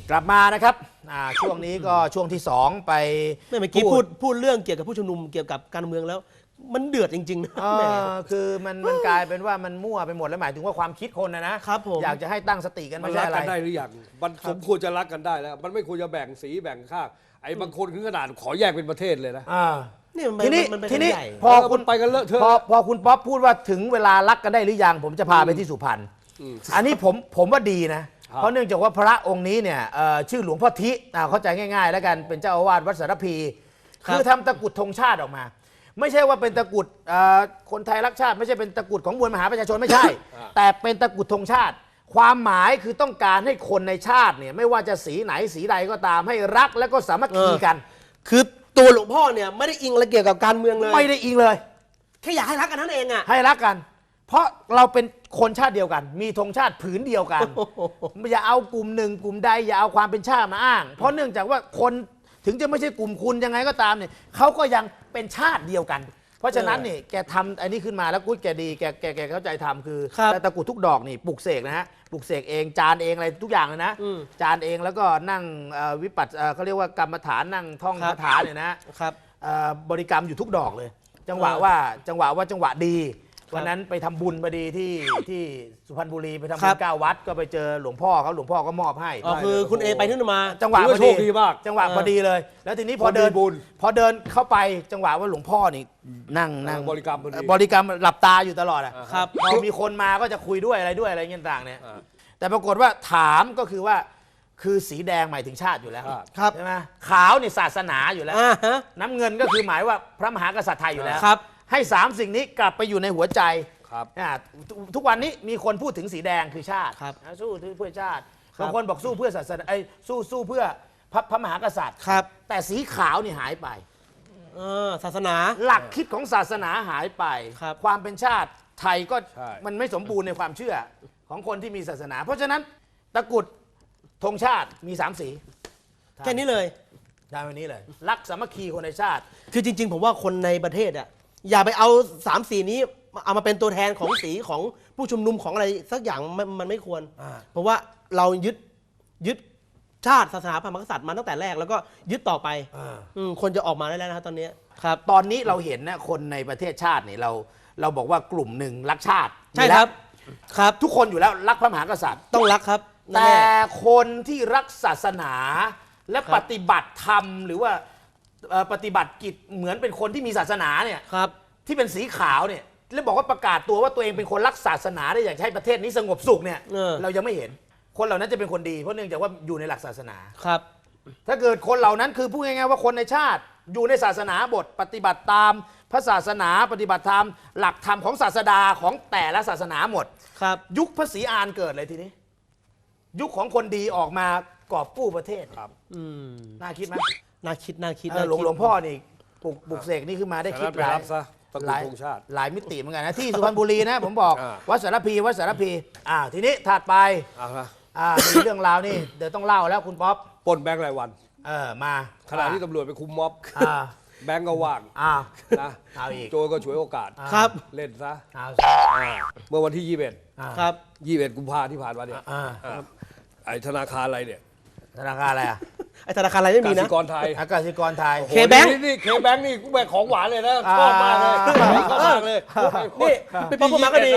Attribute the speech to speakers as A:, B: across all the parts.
A: กลับมานะครับช่วงนี้ก็ช่วงที่2ไป
B: เมื่อกี้พูดเรื่องเกี่ยวกับผู้ชุมนุมเกี่ยวกับการเมืองแล้วมันเดือดจริงๆนะ
A: คือมันกลายเป็นว่ามันมั่วไปหมดแล้วหมายถึงว่าความคิดคนนะครับ
B: ผม
A: อยากจะให้ตั้งสติกัน
C: มัน
A: ไม่ใช่
C: รัก
A: อะไร
C: กันได้หรือยังมันสมควรจะรักกันได้แล้ว มันไม่ควรจะแบ่งสีแบ่งข้างไอ้บางคนถึงขนาดขอแยกเป็นประเทศเลยนะ
A: ทีนี้พอคุณ
C: ไปกันเลอะเทอะ
A: พอคุณป๊อปพูดว่าถึงเวลารักกันได้หรือยังผมจะพาไปที่สุพรรณอันนี้ผมว่าดีนะเพราะเนื่องจากว่าพระองค์นี้เนี่ยชื่อหลวงพ่อทิเข้าใจง่ายๆแล้วกันเป็นเจ้าอาวาสวัดสารพีคือทำตะกุดธงชาติออกมา ไม่ใช่ว่าเป็นตะกุดคนไทยรักชาติไม่ใช่เป็นตะกุดของมวลมหาประชาชนไม่ใช่ แต่เป็นตะกุดธงชาติความหมายคือต้องการให้คนในชาติเนี่ยไม่ว่าจะสีไหนสีใดก็ตามให้รักและก็สามัคคีกัน
B: คือตัวหลวงพ่อเนี่ยไม่ได้อิงอะไรเกี่ยวกับการเมืองเลย
A: ไม่ได้อิงเลย
B: แค่อยากให้รักกันนั่นเองอ่ะ
A: ให้รักกันเพราะเราเป็นคนชาติเดียวกันมีธงชาติผืนเดียวกันอย่าเอากลุ่มหนึ่งกลุ่มใดอย่าเอาความเป็นชาติมาอ้างเพราะเนื่องจากว่าคนถึงจะไม่ใช่กลุ่มคุณยังไงก็ตามเนี่ยเขาก็ยังเป็นชาติเดียวกันเพราะฉะนั้นนี่แกทำอันนี้ขึ้นมาแล้วกุ้ยแกดีแกเข้าใจทำคือตะกุดทุกดอกนี่ปลุกเสกนะฮะปลุกเสกเองจานเองอะไรทุกอย่างเลยนะจานเองแล้วก็นั่งวิปัสสเขาเรียกว่ากรรมฐานนั่งท่องคาถาเนี่ยนะครับบริกรรมอยู่ทุกดอกเลยจังหวะว่าจังหวะดีวันนั้นไปทำบุญพอดีที่สุพรรณบุรีไปทำบุญ9 วัดก็ไปเจอหลวงพ่อเขาหลวงพ่อก็มอบให้
B: คือคุณเอไปนู่นมา
A: จังหวะพอดีมากจังหวะพอดีเลยแล้วทีนี้พอเดินเข้าไปจังหวะว่าหลวงพ่อนี่นั่งบริกรรมหลับตาอยู่ตลอดอ่ะพอมีคนมาก็จะคุยด้วยอะไรเงี้ยต่างเนี่ยแต่ปรากฏว่าถามก็คือว่าคือสีแดงหมายถึงชาติอยู่แล้วใช่ไหมขาวนี่ศาสนาอยู่แล้วน้ำเงินก็คือหมายว่าพระมหากษัตริย์ไทยอยู่แล้วให้3 สิ่งนี้กลับไปอยู่ในหัวใจทุกวันนี้มีคนพูดถึงสีแดงคือชาติสู้เพื่อชาติบางคนบอกสู้เพื่อศาสนาสู้เพื่อพระมหากษัตริย์แต่สีขาวนี่หายไป
B: ศาสนา
A: หลักคิดของศาสนาหายไปความเป็นชาติไทยก็มันไม่สมบูรณ์ในความเชื่อของคนที่มีศาสนาเพราะฉะนั้นตะกุดธงชาติมี3 สี
B: แค่นี้เลย
A: ได้วันนี้เลยรักสามัคคีคนในชาติ
B: คือจริงๆผมว่าคนในประเทศอ่ะอย่าไปเอา3 สีนี้เอามาเป็นตัวแทนของสีของผู้ชุมนุมของอะไรสักอย่างมันไม่ควรเพราะว่าเรายึดชาติศาสนาพระมหากษัตริย์มาตั้งแต่แรกแล้วก็ยึดต่อไปคนจะออกมาได้แล้วนะครับตอนนี้
A: ครับตอนนี้เราเห็นนะคนในประเทศชาติเนี่ยเราบอกว่ากลุ่มหนึ่งรักชาติ
B: ใช่ครับ
A: ทุกคนอยู่แล้วรักพระมหากษัตริย์
B: ต้องรักครับ
A: แต่คนที่รักศาสนาและปฏิบัติธรรมหรือว่าปฏิบัติกิจเหมือนเป็นคนที่มีศาสนาเนี่ยที่เป็นสีขาวเนี่ยแล้วบอกว่าประกาศตัวว่าตัวเองเป็นคนรักศาสนาได้อยากให้ประเทศนี้สงบสุขเนี่ยเรายังไม่เห็นคนเหล่านั้นจะเป็นคนดีเพราะเนื่องจากว่าอยู่ในหลักศาสนา
B: ครับ
A: ถ้าเกิดคนเหล่านั้นคือพูดง่ายๆว่าคนในชาติอยู่ในศาสนาบทปฏิบัติตามพระศาสนาปฏิบัติธรรมหลักธรรมของศาสดาของแต่ละศาสนาหมด
B: ครับ
A: ยุคพระศรีอานเกิดเลยทีนี้ยุคของคนดีออกมากอบกู้ประเทศ
C: ครับ
A: น่าคิดไหม
B: น่าคิด
A: หลวงพ่อนี่ปลุกเสกนี่ขึ้นมาได้คิดหลายมิติเหมือนกันนะที่สุพรรณบุรีนะผมบอกวัดสารพีทีนี้ถัดไปมีเรื่องราวนี่เดี๋ยวต้องเล่าแล้วคุณป๊อป
C: ปล้นแบงค์รายวัน
A: มา
C: ขณะที่ตำรวจไปคุมม็อบแบงค์ก็ว่างนะโจรก็ฉวยโอกาส
B: ครับ
C: เล่นซะเมื่อวันที่21
B: ครับ
C: 21 กุมภาพันธ์ที่ผ่านมาเนี่ยไอ้ธนาคารอะไรเนี่ย
A: ธนาคารอะไร
B: ไอ้ธนาคารอะไรไม่มีนะ
C: กสิกรไทย
A: กสิกรไทย
B: เคแบงค์
C: นี่เคแบงค์นี่กูแบกของหวานเลยนะชอบมากเลยชอบมากเลย
B: นี่เป็นป๊อปมาก็ดี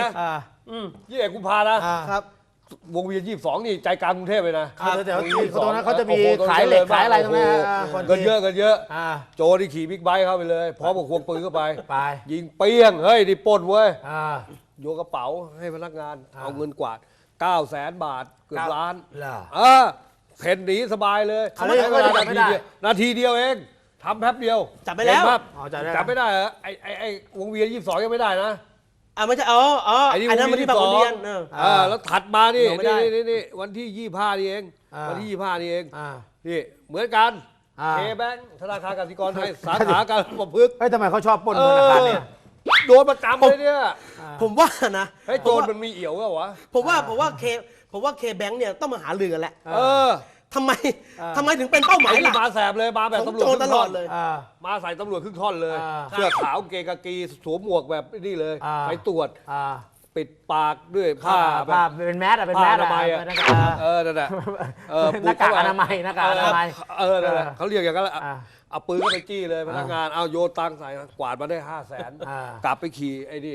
C: 21 กุมภาพันธ์นะครับวงเวียน22นี่ใจกลางกรุงเทพเลยนะ
A: แต่ตรงนั้นเขาจะมีขายเหล็กขายอะไรตรงนั้น
C: กันเยอะโจที่ขี่บิ๊กไบค์เข้าไปเลยพร้อมกับควงปืนเข้าไปยิงเปี้ยงเฮ้ยนี่ปล้นเว้ยโยนกระเป๋าให้พนักงานเอาเงินกวาด900,000 บาทเกือบล้านเพ่นหนีสบายเลยนาทีเดียวเองทำแป๊บเดียว
B: จับไปแล้ว
C: จับไม่ได้เหรอไอ้วงเวียน22ยังไม่ได้นะ
B: ไม่ใช่ไอ้นั้นมันที่บางขุนเทียน
C: แล้วถัดมานี่วันที่25นี่เองวันที่25นี่เองนี่เหมือนกันเคแบงค์ธนาคารกสิกรไทยสาขาการประพฤกษ์
A: ทำไมเขาชอบปล้นธนาคารเนี่ย
C: โดนประจำเลยเนี่ย
B: ผมว่านะ
C: โจรมันมีเอี่ยวแล้ววะ
B: ผมว่าเคแบงค์เนี่ยต้องมาหาเรือแหละทำไมถึงเป็นเป้าหมายหลัก
C: มาแสบเลยมาแบบตำรวจ
B: ตลอดเลย
C: มาใส่ตำรวจครึ่งท่อนเลยเสื้อขาวเกงกากีสวมหมวกแบบนี่เลยไปตรวจปิดปากด้วยผ้า
A: ผ้าเป็นแมสเป็นแมส
C: ผ้าอนามัยอะ
A: นั่น
C: นั่นแหละ
A: หน้ากากอนามัยหน้ากากอนามัย
C: นั่นแหละเขาเรียกอย่างนั้นแหละ
A: อ่า
C: เอาปืนก็ไปจี้เลยพนักงานเอาโยนตังค์ใส่กวาดมาได้ 500,000 กลับไปขี่ไอ้นี่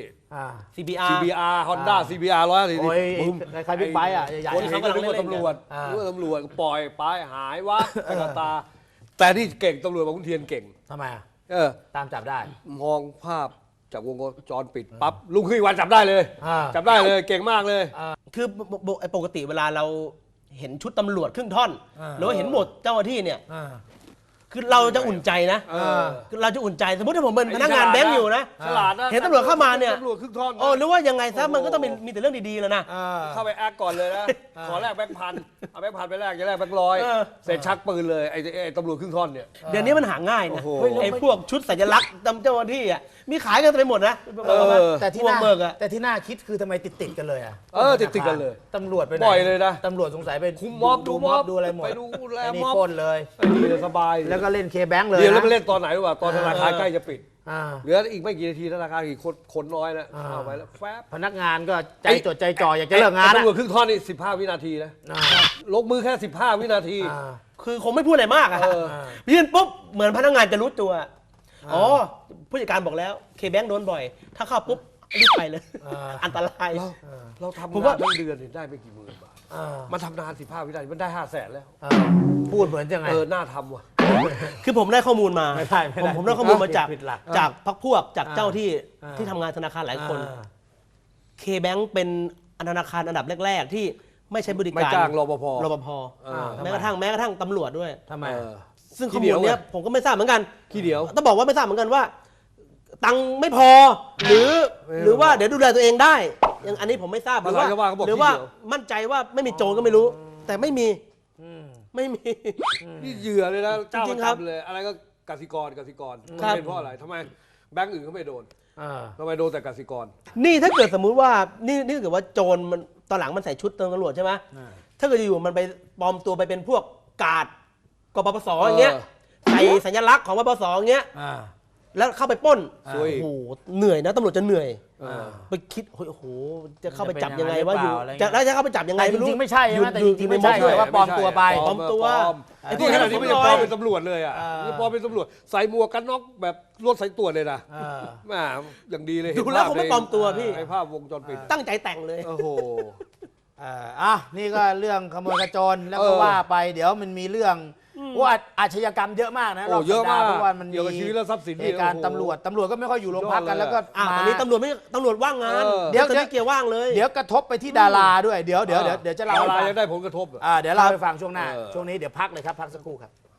B: CBR
C: CBR Honda CBR 100
A: โอ้ยใครบิ๊กไบค์อ่ะใหญ่ๆ
C: คนเขาก็นึกว่าตำรวจนึกว่าตำรวจปล่อยไปหายวับไปกับตา แต่นี่เก่งตำรวจบอกคุณเทียนเก่ง
A: ทำไมอ่ะ
C: ตาม
A: จับได้
C: มองภาพจากวงจรปิดปั๊บลุงขึ้นวันจับได้เลย จับได้เลยเก่งมากเลย
B: คือปกติเวลาเราเห็นชุดตำรวจครึ่งท่อนหรือว่าเห็นหมวดเจ้าหน้าที่เนี่ยคือเราจะอุ่นใจนะคือเราจะอุ่นใจสมมติถ้าผมเป็นพนักงานแบงก์อยู่นะ
C: ฉลาดนะ
B: เห็นตำรวจเข้ามาเนี่ย
C: ตำรวจครึ่งท่อน
B: หรือว่ายังไงซะมันก็ต้องมีแต่เรื่องดีๆแล้วนะ
C: เข้าไปแอคก่อนเลยนะ ขอแลกแบงค์พันเอาแบงค์พันไปแลกจะแลกแบงค์ร้อยเสร็จชักปืนเลยไอ้ตำรวจครึ่งท่อนเนี่ย
B: เดี๋ยวนี้มันหาง่ายนะ
C: โอ้โห
B: ไอ้พวกชุดสัญลักษณ์เจ้าหน้าที่อ่ะมีขายกันไปหมดนะ
A: แต่ที่
B: พวก
A: น่า
B: เบิกอะ
A: แต่ที่น่าคิดคือทำไมติดกันเลยอ่ะ
C: ติดกันเลย
A: ตำรวจไปไหน
C: บ่อยเลยนะ
A: ตำรวจสงสัยไป
C: คุมม็อบดูม็อบ
A: ดูอะไรหมด
C: ไปดูแล
A: ไอ้นี่
C: ม็อบ
A: ปล้นเลย
C: ดีเลยสบาย
A: แล้วก็เล่นเคแบงค์เลย
C: เดี๋ยวแล้ว
A: นะ
C: ไปเล่นตอนไหนรู้ป่ะตอนธนาคารใกล้จะปิด
A: อ่า
C: เหลืออีกไม่กี่นาทีธนาคารอีกคนน้อยนะเอาไปแล้วแฟบ
A: พนักงานก็ใจจดใจจ่ออยากจะเลิกงาน
C: ไอ้
A: อะ
C: ตำรวจครึ่งท่อนนี่15 วินาทีนะ
A: อ่า
C: ลงมือแค่15 วินาที
A: อ่า
B: คือคงไม่พูดอะไรมากอะ
C: เออ
B: ยื่นปุ๊บเหมือนพนักงานจะรู้ตัวอ๋อผู้จัดการบอกแล้วเคแบงค์โดนบ่อย ถ้าเข้าปุ๊บรีบไปเลย อันตราย
C: เราทำ
B: ผม
C: งา
B: ว่า
C: นทั้งเดือนเนี่ยได้ไม่กี่หมื่นบาท
A: อ่า
C: มันทำนาน15 วินาทีมันได้500,000แล้ว
A: อ่าพูดเหมือนยังไง
C: น่าทำว่ะ
B: คือผมได้ข้อมูลมา
A: ไม่ได้
B: ผมได้ข้อมูลมาจาก
A: ผิดหลัก
B: จากพักพวกจาก
A: อ่า
B: เจ้าที่
A: อ่า
B: ที่ทำงานธนาคารหลายคน
A: อ่า
B: เคแบงค์เป็นธนาคารอันดับแรก ๆ ที่ไม่ใช้บริ
C: ไม่
B: การ
C: จ้างรปภ
B: รปภ
A: ทำไม
B: แม้กระทั่งตำรวจด้วย
A: ทำไม
C: เออ
B: ซึ่ง
C: ขี้
B: ข้อ
C: เหนี
B: มู
C: ย
B: ล
C: ว
B: เนี้ยผมก็ไม่ทราบเหมือนกัน
C: ขี้เดียว
B: ต้องบอกว่าไม่ทราบเหมือนกันว่า ตังค์ไม่พอหรือว่าเดี๋ยวดูแลตัวเองได้อย่างอันนี้ผมไม่ทราบหรือว่า
C: ภาษาชาวบ้านเขาบอก
B: หรือว่า
C: ขี้เดียว
B: มั่นใจว่าไม่มีโจรก็ไม่รู้ แต่ไม่มี
A: อืม
B: ไม่มี
C: นี่เหยื่อเลยนะเจ้า
B: จริ
C: ประ
B: งๆครับ
C: จำเลย อะไรก็กสิกร
B: ครับ
C: เป็นเพราะอะไรทำไมแบงก์อื่นเขาไม่โดน
A: อ่า
C: ทำไมโดนแต่กสิกร
B: นี่ถ้าเกิดสมมุติว่านี่ถ้าเกิดว่าโจรมันตอนหลังมันใส่ชุดตำรวจใช่ไหมถ้าเกิดอยู่ๆมันไปปลอมตัวไปเป็นพวกกาดกปปสอย่างเงี้ยใส่สัญลักษณ์ของปปสอย่างเงี้ย
A: อ่า
B: แล้วเข้าไปปล้น
C: ซวย
B: โอ้โหเหนื่อยนะตำรวจจะเหนื่อย
C: อ่า
B: ไปคิดโอ้โหจะเข้าไปจับ
A: จะเป็น
B: ยังไง
A: ยังไง
B: ว่าอยู่
A: หรือเปล่าอะไรเงี้ย
B: แล้วจะเข้าไปจับยังไง
A: แต่จ
B: ไม่รู้
A: ริงๆไม่ใช่ใช่ไหมแต่
B: อยู่
A: จริงๆ
B: อยู่
A: ไม่ใช่
B: ใน
A: ด้วยว่าปลอมตัวไป
B: ปลอมตัว
C: ไอ้พวกนี้นี่ไม่ได้ปลอมเป็นตำรวจเลยอ่ะ
A: อ่า
C: นี่ปลอมเป็นตำรวจใส่หมวกกันน็อกแบบรถสายตรวจเลยนะ
A: อ่า
C: แม่อย่างดีเลย
B: ดูแล้วคงไม่ปลอมตัวพี่
C: ในภาพวงจรปิด
B: ตั้งใจแต่งเลย
C: โอ้โห
A: นี่ก็เรื่องขโมยขโจรแล้วก็
C: เออ
A: ว่าไปเดี๋ยวมันมีเรื่องว่าอาชญากรรมเยอะมากนะ
C: โอ้
A: รอบ
C: เย
A: สั
C: อะ
A: ปดาห์
C: มาก
A: เพราะว่ามัน
C: เกี่ยวกับชีวิตและทรัพย์สินนี่
A: เหตุการณ์
C: โอ้โห
A: ตำรวจก็ไม่ค่อยอยู่โรงพักกัน
C: ยอดเลย
A: แล้วก็
B: ตอนนี้ตำรวจว่างงาน
A: เดี๋ยว
B: ตอนนี้เกียร์ว่างเลย
A: เดี๋ยวกระทบไปที่ดาราด้วยเดี๋ยวจะเล่า
C: ดา
A: ให้
C: รา
A: ฟัง
C: ยังได้ผลกระทบเหรอ
A: เดี๋ยวเล่าให้ฟังช่วงหน้า
C: เออ
A: ช่วงนี้เดี๋ยวพักเลยครับพักสักครู่ครับ